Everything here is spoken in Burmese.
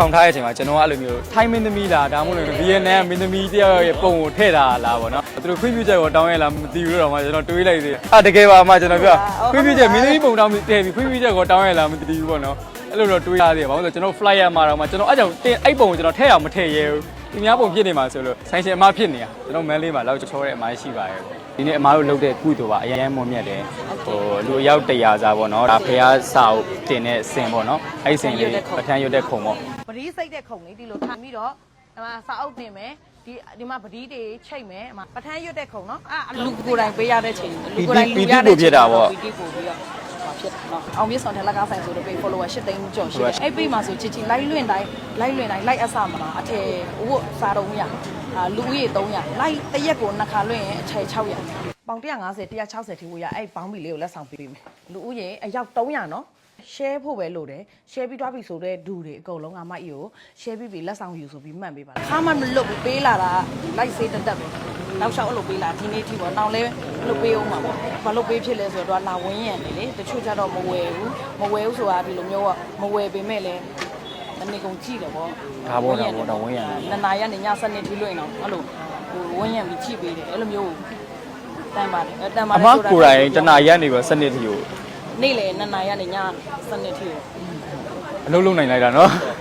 ဆောင်ထားတဲ့အချိန်မှာကျွန်တော်ကအဲ့လိုမျိုးထိုင်းမင်းသမီးလားဒါမှမဟုတ်ဗီယက်နမ်မင်းသမီးတယောက်ရဲ့ပုံကိုထည့်တာလားပေါ့နော်သူတို့ခွင့်ပြုချက်ကိုတောင်းရလားမသိဘူးတော့မှကျွန်တော်တွေးလိုက်သေးတကယ်ပါမှကျွန်တော်ပြောခွင့်ပြုချက်မင်းသမီးပုံတောင်းထည့်ပြီးခွင့်ပြုချက်ကိုတောင်းရလားမသိဘူးပေါ့နော်အဲ့လိုတော့တွေးရသေးတယ်ဘာလို့လဲကျွန်တော် flyer မှာတော့မှကျွန်တော်အဲ့ကြောင့်အဲ့ပုံကိုကျွန်တော်ထည့်အောင်မထည့်ရဲဘူးဒီများပုံဖြစ်နေမှာဆိုလို့ဆိုင်ရှင်အမဖြစ်နေတာကျွန်တော်မန်းလေးမှာလောက်ချောတဲ့အမရှိပါရဲ့ဒီနေ့အမားတို့လုပ်တဲ့ကုသိုလ်ပါအရင်မွန်မြတ်တယ်ဟိုလူအယောက်100စားပေါ့နော်ဒါဖះစာအုပ်တင်တဲ့စင်ပေါ့နော်အဲ့ဒီစင်လေးပထမ်းရွတ်တဲ့ခုံပေါ့ပတိစိတ်တဲ့ခုံလေးဒီလိုထားပြီးတော့ဒီမှာစာအုပ်တင်မယ်ဒီမှာပတိတွေချိတ်မယ်ပထမ်းရွတ်တဲ့ခုံနော်လူကိုယ်တိုင်ပေးရတဲ့ချိန်လူကိုယ်တိုင်လူရတဲ့ချိန်ပတိပို့ပြီးတော့ဖြစ်နော်အောင်မြင့်ဆောင်ထက်လက်ကားဆိုင်ဆိုတော့ page follower 8သိန်းကျော်ရှိတယ်အဲ့ page မှာဆိုချစ်ချစ်လိုက်လွင့်တိုင်းလိုက်အဆမှာအထည်ဝတ်စားတော့ရလူဦးရေ300လိုက်တရက်ကို2ခါလွင့်ရင်အထည်600ပေါင်150 160ထိဝေးရအဲ့ပေါင်းဘီလေးကိုလက်ဆောင်ပေးမယ်လူဦးရေအယောက်300နော် share ဖို့ပဲလို့တယ် share ပြီးသွားပြီဆိုတော့ဒူတွေအကုန်လုံးငါမကြီးကို share ပြီးလက်ဆောင်ယူဆိုပြီးမှတ်ပေးပါခါမှမလွတ်ဘူးပေးလာတာလိုက်စေးတက်ပဲနောက်လျှောက်အဲ့လိုပေးလာဒီနေ့ထိပေါ့နောက်လဲလို့ပေးအောင်ပါပေါ့ဘာလို့ပေးဖြစ်လဲဆိုတော့လာဝင်းရံနေလေတချို့ကျတော့မဝယ်ဘူးဆိုတာဒီလိုမျိုးကမဝယ်ပေမဲ့လည်းတနေ့ကုန်ကြည့်တယ်ပေါ့ဒါပေါ့တော့ဝင်းရံနှစ်နာရီကနေည7နှစ်ထိလွင့်အောင်အဲ့လိုဟိုဝင်းရံပြီးကြည့်ပေးတယ်အဲ့လိုမျိုးတန်ပါတယ်ဆိုတာအမကိုယ်တိုင်တနာရီကနေပဲ7နှစ်ထိကိုနေ့လေ2နာရီကနေည7နှစ်ထိကိုအလုပ်လုပ်နိုင်လိုက်တာနော်